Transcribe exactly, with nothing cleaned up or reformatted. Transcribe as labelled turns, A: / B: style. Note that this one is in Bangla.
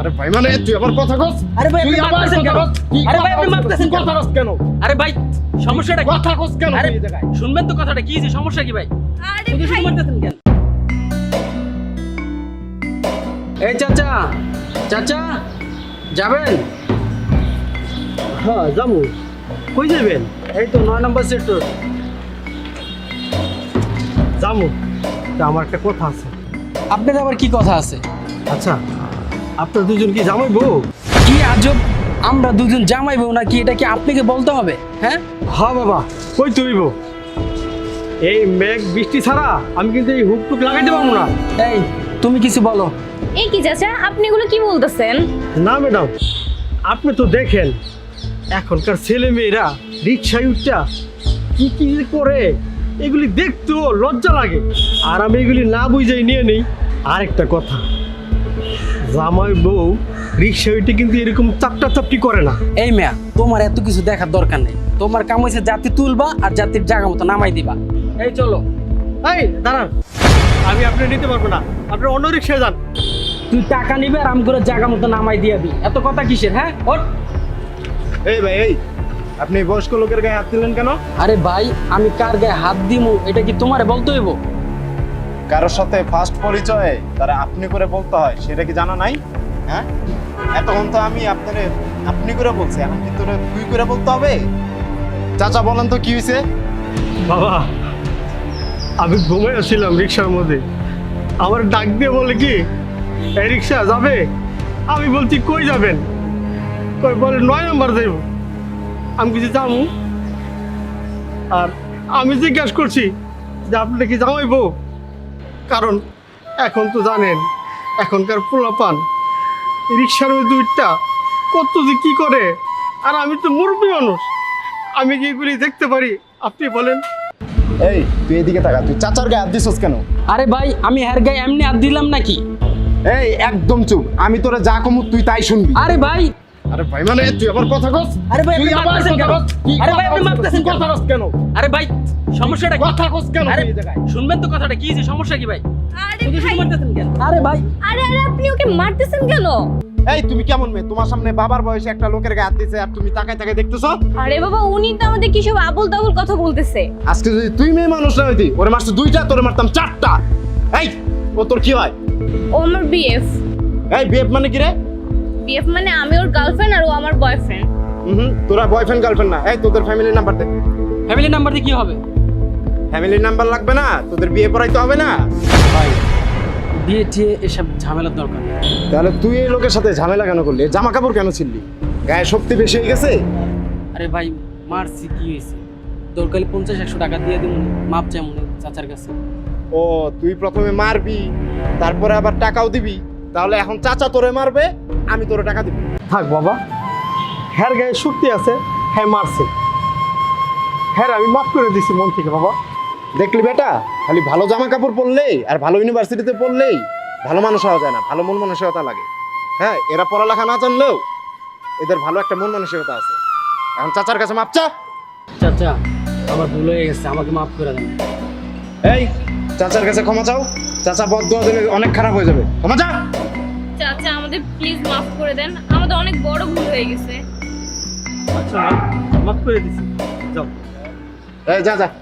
A: আরে ভাই মানে তুই আবার কথা কস।
B: আরে ভাই আপনি
A: তুই আবার
B: মারতেছেন
A: কথা
B: কেন?
A: কস। তুই
B: আরে ভাই
A: কথা
B: আপনি
A: কস।
B: মারতেছেন
A: তুই কথা কস কেন?
B: আরে ভাই সমস্যাটা কি?
A: কথা কস কেন
B: আরে
A: তুই এই জায়গায়?
B: শুনবেন তো কথাটা কি যে সমস্যা কি ভাই?
C: আরে
B: শুধু শুধু
C: ভাই
B: মারতেছেন কেন? এই চাচা চাচা যাবেন?
D: হ্যাঁ যাবো। কই যাবেন?
B: এই তো নয় নম্বর সেক্টর।
D: যাবো। তা আমার একটা কথা আছে।
B: আপনার আবার কি কথা আছে?
D: আচ্ছা, আপনার দুজন কি জামাই বউ?
B: কি আজব, আমরা দুজন জামাই বউ নাকি এটা কি আপনাকে বলতে হবে? হ্যাঁ
D: হ্যাঁ বাবা, কই তুইব? এই মেঘ বৃষ্টি ছাড়া আমি কিন্তু এই হুক টুক লাগাইতে পারবো না।
B: এই তুমি কিছু বলো।
C: এই কি চাচা আপনি এগুলো কি বলতেছেন?
D: না ম্যাডাম, আপনি তো দেখেন এখনকার ছেলে মেয়েরা রিক্সায় উঠটা কি কি যে করে, এগুলি দেখতেও লজ্জা লাগে। আর আমি এগুলি না বুঝাই নিয়ে নেই। আরেকটা কথা, জামাই বউ রিক্সায় উঠে কিন্তু এরকম চাপটা চাপটি করে না।
B: এই মেয়া, তোমার এত কিছু দেখার দরকার নেই। তোমার কাম হয়েছে জাতি তুলবা আর জাতির জায়গা মতো নামাই দিবা। এই চলো।
D: এই দাঁড়ান, আমি আপনি নিতে পারবো না, আপনি অন্য রিক্সায় যান।
B: তুই টাকা নিবে আর আমি করে জায়গা মতো নামাই দিয়াবি, এত কথা কিসের? হ্যাঁ ওঠ।
A: এই ভাই এই আপনি বয়স্ক লোকের গায়ে হাত দিলেন কেন?
B: আরে ভাই আমি কার গায়ে হাত দিমু এটা কি তোমারে বলতে হইব?
A: কারোর সাথে ফার্স্ট পরিচয়ে তারা আপনি করে বলতে হয় সেটা কি জানা নাই? হ্যাঁ, এতক্ষণ তো আমি আপনারে আপনি করে বলছি, এখন কি তোরে তুই করে বলতে হবে? চাচা বলেন তো কি হয়েছে?
D: বাবা, আমি ঘুমাই আসছিলাম রিক্সার মধ্যে, আমার ডাক দিয়ে বলে কি এই রিক্সা যাবে? আমি বলছি কই যাবেন? কই বলে নয় নম্বর যাইব। আমি কিছু যাবো, আর আমি জিজ্ঞাসা করছি যে আপনি কি জামাই বউ? কারণ এখন তো জানেন এখনকার পোলাপান রিক্সার মধ্যে উঠটা কত যে কি করে, আর আমি তো মুরব্বী মানুষ, আমি কি এগুলি দেখতে পারি? আপনি বলেন।
A: এই তুই এদিকে তাকা, তুই চাচার গায়ে হাত দিছস কেন?
B: আরে ভাই আমি হের গায়ে এমনি হাত দিলাম নাকি?
A: এই একদম চুপ, আমি তোরে যা কমু তুই তাই শুনবি।
B: আরে ভাই
A: আরে ভাই মানে তুই আবার কথা কস।
B: আরে ভাই আপনি
A: তুই আবার
B: মারতেছেন
A: কথা
B: কেন?
A: কস। তুই
B: আরে ভাই
A: কথা
B: আপনি
A: কস।
B: মারতেছেন
A: তুই কথা কস কেন?
B: আরে ভাই সমস্যাটা কি?
A: কথা কস কেন
B: আরে
A: তুই এই জায়গায়?
B: শুনবেন তো কথাটা কি যে সমস্যা কি ভাই?
C: আরে
B: শুধু
C: ভাই
B: শুধু মারতেছেন কেন? আরে ভাই
C: আরে আরে আপনি ওকে মারতেছেন কেন?
A: এই তুমি কেমন মেয়ে? তোমার সামনে বাবার বয়সে একটা লোকের গায়ে হাত দিছে আর তুমি তাকায় তাকায় দেখতেছো?
C: আরে বাবা উনি তো আমাদের কি সব আবল তাবল কথা বলতেছে।
A: আজকে যদি তুই মেয়ে মানুষ না হইতি, ওরে মারছে দুইটা, তোরে মারতাম চারটা। এই ও তোর কি হয়?
C: ও আমার বিএফ।
A: এই বিএফ মানে কি রে?
C: বিএফ মানে আমি ওর গার্লফ্রেন্ড আর ও আমার বয়ফ্রেন্ড।
A: হুম, তোরা বয়ফ্রেন্ড গার্লফ্রেন্ড না। এই তোদের ফ্যামিলির নাম্বার দে।
B: ফ্যামিলি নাম্বার দিয়ে কি হবে?
A: ফ্যামিলির নাম্বার লাগবে না? তোদের বিয়ে পড়াইতে হবে না?
B: ভাই বিয়ে টিয়ে এসব ঝামেলার দরকার নেই।
A: তাহলে তুই এই লোকের সাথে ঝামেলা কেন করলি? জামা কাপড় কেন ছিললি? গায়ে শক্তি বেশি হয়ে গেছে?
B: আরে ভাই মারছি কি হয়েছে? দরকারি পঞ্চাশ একশো টাকা দিয়ে দিব, মাপ চাই মনে চাচার কাছে।
A: ও তুই প্রথমে মারবি, তারপরে আবার টাকাও দিবি, তাহলে এখন চাচা তোরে মারবে, আমি তোরে টাকা দিব।
D: থাক বাবা, হ্যার গায়ে শক্তি আছে, হ্যাঁ মারছে, হ্যাঁ আমি মাফ করে দিছি মন থেকে বাবা।
A: দেখলি বেটা, খালি ভালো জামা কাপড় পরলেই আর ভালো ইউনিভার্সিটিতে পড়লেই ভালো মানুষ হওয়া যায় না, ভালো মন মানসিকতা লাগে। হ্যাঁ, এরা পড়ালেখা না জানলেও এদের ভালো একটা মন মানসিকতা আছে। এখন চাচার কাছে মাপ চা।
B: চাচা আমার ভুল হয়ে গেছে, আমাকে মাফ করে দেন।
A: এই চাচার কাছে ক্ষমা চাও, চাচা বদদোয়া দিলে অনেক খারাপ হয়ে যাবে। ক্ষমা চা।
C: চাচা আমাদের প্লিজ মাফ করে দেন, আমাদের অনেক বড় ভুল হয়ে গেছে।
D: আচ্ছা মাফ করে দিছি, যাও।
A: এই যা যা।